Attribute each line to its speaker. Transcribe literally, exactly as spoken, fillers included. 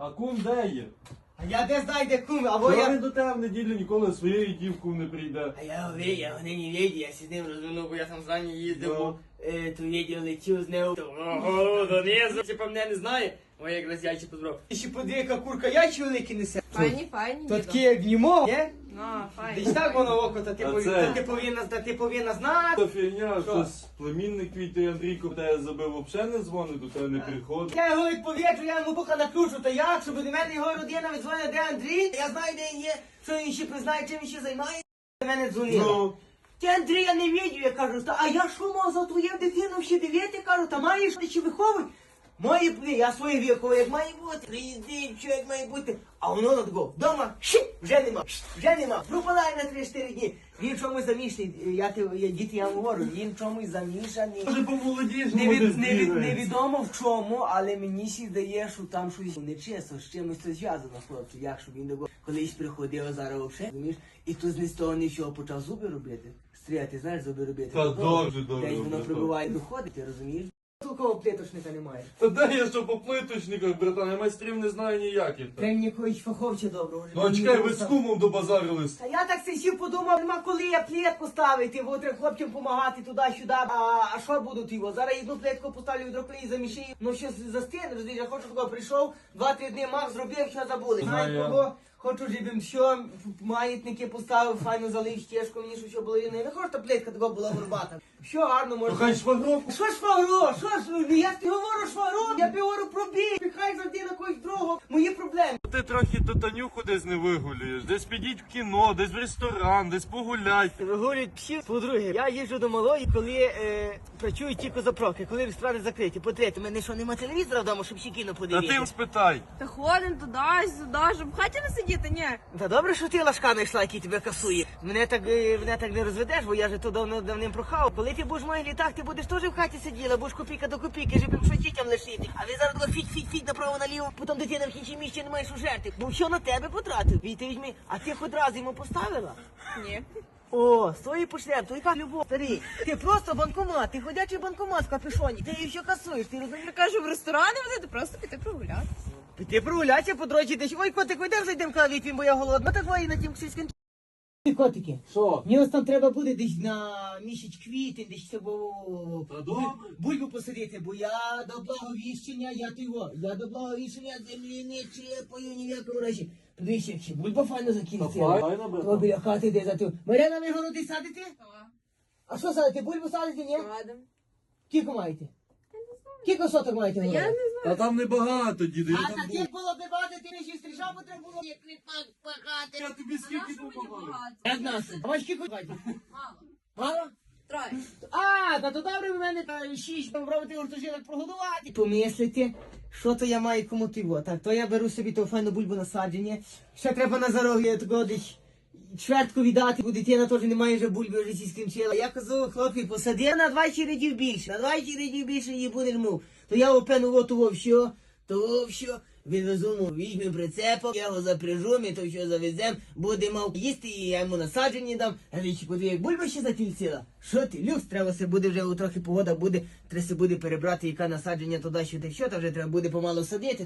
Speaker 1: А кум де є?
Speaker 2: А я де знаю, де кум, або
Speaker 1: Чого
Speaker 2: я...
Speaker 1: він до тебе в неділю ніколи своєю дівкою не прийде?
Speaker 2: А я говорю, я не не видів, я з ним розминув, бо я там зрані їздив,
Speaker 1: Ну.
Speaker 2: бо е, то відео летів з ним. Ого, донизу, типа мене не знає. Ой, якраз яйчі позбрав. І ще подиві, яка курка яйчі великі несе.
Speaker 3: Файні, файні.
Speaker 2: То
Speaker 3: дідо.
Speaker 2: такі як німо, є?
Speaker 3: Ну, файні.
Speaker 2: Десь так воно око, та ти,
Speaker 1: А
Speaker 2: пові-
Speaker 1: це?
Speaker 2: та ти повинна, та ти повинна знати.
Speaker 1: Та фігня,
Speaker 2: Що?
Speaker 1: щось племінник твій той Андрійко тебе забив, взагалі не дзвонить, до тебе не приходить.
Speaker 2: Я його відповіджу, я йому буха наключу, та як, щоб до мене його родина відзвонила, де Андрій, я знаю, де він є, що він ще признає, чим він ще займається, до мене дзвонила.
Speaker 1: Ну,
Speaker 2: Ти, Андрій, я не відео, я кажу, та, а я що мав за твою дитину ще дивити, кажу, та маєш ти ще виховуй. Має бути, я своє вікове, як має бути, приїздить, що як має бути. А воно на такого, вдома, ші, вже нема, ші, вже нема, пропадає на три-чотири дні. Він чомусь замішаний, я, ти- я, діти, я вам говорю, він чомусь замішаний.
Speaker 1: може помолодієш,
Speaker 2: Не
Speaker 1: може
Speaker 2: від, не від,
Speaker 1: збігається.
Speaker 2: невідомо в чому, але мені ще здає, що там щось нечесно, з чимось це зв'язано, хлопці, як щоб він до колись приходив, а зараз взагалі, розумієш, і тут ні з того нічого почав зуби робити. Стріляти, знаєш, зуби робити.
Speaker 1: Та
Speaker 2: Ну,
Speaker 1: добре, добре,
Speaker 2: Десь воно
Speaker 1: братан.
Speaker 2: прибуває доходить, ти розумієш? Такого плиточника немає.
Speaker 1: Та де я що по плиточниках, братан, я майстрів не знаю ніяких. та.
Speaker 2: Треба якогось фаховця доброго.
Speaker 1: Ну а чекай, ви з кумом добазарились.
Speaker 2: Та я так сидів, подумав, нема коли я плитку ставити, бо треба хлопцям допомагати туди-сюди. А, а що будуть його? Зараз одну плитку поставлю, відроклею, замішаю. Ну що застине, розумієш, я хочу, такого прийшов, два-три дні мав, зробив, що забули.
Speaker 1: Знаю
Speaker 2: Знаю
Speaker 1: я.
Speaker 2: кого? Хочу, щоб їм все, маятники поставив, файно залив стежку, мені що все було рівно. Я не хочу, щоб плитка така була горбата. Все гарно,
Speaker 1: Ну
Speaker 2: може.
Speaker 1: хай швагровку.
Speaker 2: Що ж швагро? Що ж, я тобі говорю швагро, я тобі говорю про бій. Хай завжди на когось другого, мої проблеми.
Speaker 1: Ти трохи ту Танюху десь не вигулюєш, десь підіть в кіно, десь в ресторан, десь погулять.
Speaker 2: Вигулюють всі. По-друге, я їжджу до малої, коли е, працюють тільки заправки, коли ресторани закриті. По-третє, у мене що, нема телевізора вдома, щоб ще кіно
Speaker 1: Та
Speaker 2: подивитися?
Speaker 1: ти їм спитай.
Speaker 3: Та ходимо туди, сюди, щоб в хаті не сидіти, ні.
Speaker 2: Та добре, що ти лашка знайшла, який тебе касує. Мене так, е, мене так не розведеш, бо я же то давно давним прохав. Коли ти будеш в моїх літах, ти будеш теж в хаті сиділа, будеш копійка до копійки, щоб їм що дітям лишити. А ви зараз фіть-фіть-фіть направо наліво, потім дитина в кінці місці не маєш у жерти. Бо що на тебе потратив? І ти візьми, а ти хоч раз йому поставила?
Speaker 3: Ні.
Speaker 2: О, з твої почнемо, то яка любов, старий. Ти просто банкомат, ти ходячий банкомат в капюшоні. Ти її все касуєш, ти розумієш?
Speaker 3: Я кажу, в ресторани возити, просто піти прогуляти.
Speaker 2: Ти прогуляйся по дорозі десь. Ой, котик, йдемо зайдемо каві, бо я голодна. Так вої на тім сільським. Котики,
Speaker 1: Що?
Speaker 2: мені ось там треба буде десь на місяць квітень, десь цього
Speaker 1: Та добре.
Speaker 2: бульбу посадити, бо я до благовіщення, я того, я до благовіщення землі не чепаю ні в якому разі. Подивіться, як ще бульба файно
Speaker 1: Та
Speaker 2: закінчила.
Speaker 1: файно, братан.
Speaker 2: То біля хати де за ту. Маряна, ви городи садите? А що садите? Бульбу садите, ні?
Speaker 3: Ладно.
Speaker 2: Кілько маєте? Кілько соток маєте?
Speaker 3: Я
Speaker 2: городу?
Speaker 3: не знаю.
Speaker 1: Та там небагато, діду, я
Speaker 2: А
Speaker 1: там
Speaker 2: таких було б багато, ти не ще стрижав, бо треба було як кріпак пахати.
Speaker 1: Я тобі скільки допомагаю.
Speaker 2: п'ятнадцять. А вас скільки маєте?
Speaker 3: Мало.
Speaker 2: Мало?
Speaker 3: Троє.
Speaker 2: А, та то добре в мене та шість, там пробувати гуртожиток прогодувати. Помислити, що то я маю кому тиво. Так, то я беру собі ту файну бульбу насадження. Ще треба на зарогі такого десь чвертку віддати, бо дитина теж не має вже бульби, вже сі скінчила. Я казав, хлопці, посади на двадцять рядів більше, на двадцять рядів більше її буде мов. То я опену от того все, того все. Відвезу му, візьмемо прицепок, я його запряжу, ми то все завеземо, буде мав їсти, і я йому насаджені дам. А річі, подиві, як бульба ще затільціла. Що ти, люкс, треба се буде вже, трохи погода буде, треба се буде перебрати, яка насадження туди-сюди, що, то вже треба буде помалу садити.